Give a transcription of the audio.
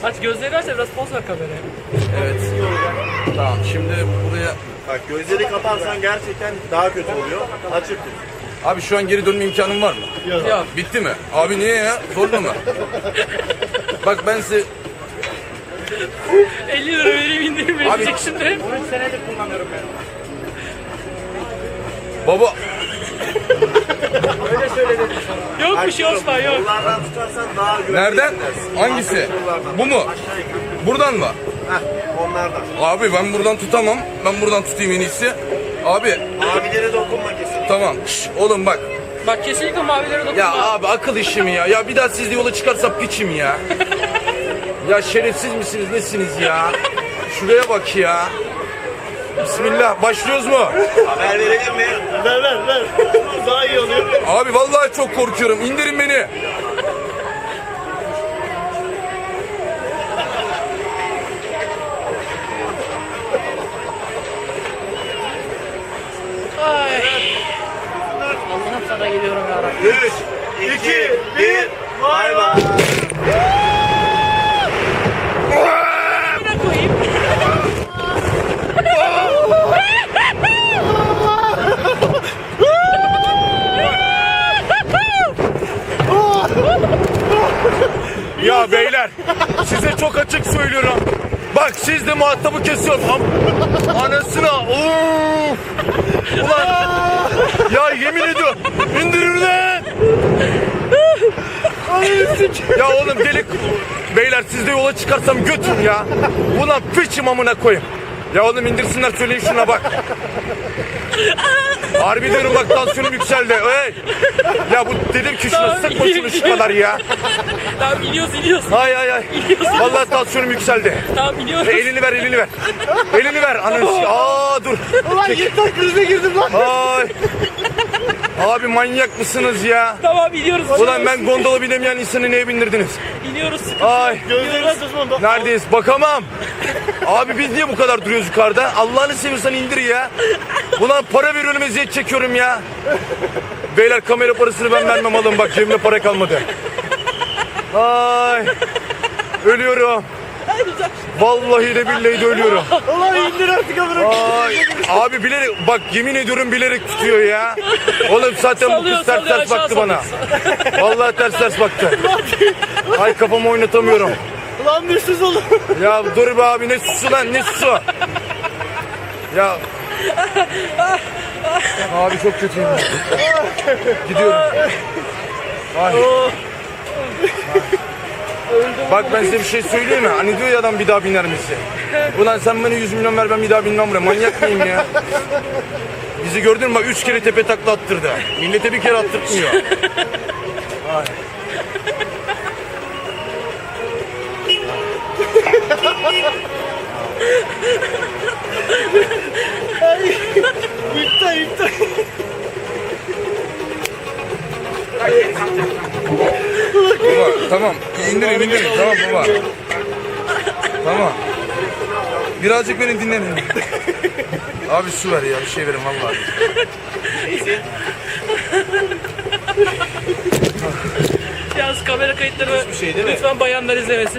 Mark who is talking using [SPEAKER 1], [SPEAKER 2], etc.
[SPEAKER 1] Aç gözleri aç da biraz poz ver kameraya.
[SPEAKER 2] Evet. Tamam şimdi buraya...
[SPEAKER 3] Bak gözleri kaparsan gerçekten daha kötü oluyor. Açık tut.
[SPEAKER 2] Abi şu an geri dönme imkanım var mı?
[SPEAKER 1] Yok.
[SPEAKER 2] Bitti mi? Abi niye ya? Zorla mı? Bak ben size...
[SPEAKER 1] 50 lira vereyim indirim verecek şimdi.
[SPEAKER 3] 13 senedir kullanıyorum ben.
[SPEAKER 2] Baba...
[SPEAKER 3] Öyle söyle dedim sana.
[SPEAKER 1] Yok bir şey Osman yok.
[SPEAKER 3] Kollardan tutarsan daha güvenli
[SPEAKER 2] Nereden?
[SPEAKER 3] hissedersin.
[SPEAKER 2] Hangisi?
[SPEAKER 3] Arka kollardan.
[SPEAKER 2] Bu mu?
[SPEAKER 3] Aşağı yukarı.
[SPEAKER 2] Buradan mı?
[SPEAKER 3] Heh, onlardan.
[SPEAKER 2] Abi ben buradan tutamam. Ben buradan tutayım en iyisi. Abi
[SPEAKER 3] Abilere dokunma kesin.
[SPEAKER 2] tamam. Şş, oğlum bak.
[SPEAKER 1] Bak kesinlikle mavilere dokunma.
[SPEAKER 2] Ya abi akıl işi mi ya? Ya bir daha siz de yola çıkarsam piçim ya. Ya şerefsiz misiniz nesiniz ya? Şuraya bak ya. Bismillah başlıyoruz mu?
[SPEAKER 3] Haber verelim mi? Ver. Daha iyi oluyor.
[SPEAKER 2] Abi vallahi çok korkuyorum. İndirin beni.
[SPEAKER 1] Ay. Allah'ım sana geliyorum ya Rabbi.
[SPEAKER 3] 3, 2, 1, bay bay.
[SPEAKER 1] Ne koyayım?
[SPEAKER 2] Ya beyler size çok açık söylüyorum. Bak siz de muhatabı kesiyorsun. Anasına. Of. Ulan. Ya yemin ediyorum. İndirin lan. Ya oğlum delik. Beyler siz de yola çıkarsam götün ya. Ulan piçim amına koyayım. Ya oğlum indirsinler söyleyin şuna bak. Harbi diyorum bak tansiyonum yükseldi. Hey. Ya bu dedim ki şuna sıkma şunu şu kadar ya.
[SPEAKER 1] Tamam iniyoruz.
[SPEAKER 2] Ay. Vallahi tansiyonum yükseldi.
[SPEAKER 1] Tamam iniyoruz.
[SPEAKER 2] Elini ver. Elini ver. Ananı. Aa dur.
[SPEAKER 3] Ulan yırtak krize girdim lan.
[SPEAKER 2] Ay. Abi manyak mısınız ya?
[SPEAKER 1] Tamam iniyoruz.
[SPEAKER 2] Ulan ben gondola binemeyen insanı neye bindirdiniz?
[SPEAKER 1] İniyoruz.
[SPEAKER 2] Ay.
[SPEAKER 3] Gözlerini susma.
[SPEAKER 2] Neredeyiz? Bakamam. Abi biz niye bu kadar duruyoruz yukarıda? Allah'ını seviyorsan indir ya. Ulan para veriyorum eziyet çekiyorum ya. Beyler kamera parasını ben vermem alın bak cebimde para kalmadı. Ay. Ölüyorum. Vallahi de billahi de ölüyorum.
[SPEAKER 3] Ulan indir artık amına.
[SPEAKER 2] Ay. Abi bilerek bak yemin ediyorum bilerek tutuyor ya. Oğlum zaten bu
[SPEAKER 1] Sallıyor,
[SPEAKER 2] kız ters
[SPEAKER 1] sallıyor,
[SPEAKER 2] ters
[SPEAKER 1] aşağı
[SPEAKER 2] baktı bana. Vallahi ters baktı. Ay kafamı oynatamıyorum.
[SPEAKER 3] Ulan bir sus oğlum.
[SPEAKER 2] Ya dur be abi ne susu lan ne susu. Ya. Abi çok kötüyüm. Gidiyorum. Ay. Bak ben size bir şey söyleyeyim mi? Hani diyor ya adam bir daha biner misin? Ulan sen bana 100 milyon ver ben bir daha binmem buraya. Manyak mıyım ya? Bizi gördün mü? Bak 3 kere tepe takla attırdı. Millete bir kere attırtmıyor. Ay.
[SPEAKER 3] İptal.
[SPEAKER 2] Baba tamam indirin tamam baba. Tamam. Birazcık beni dinleyin. Abi su ver ya bir şey verin vallahi.
[SPEAKER 1] Yalnız kamera kayıtları
[SPEAKER 3] şey değil mi?
[SPEAKER 1] lütfen bayanlar izlemesin.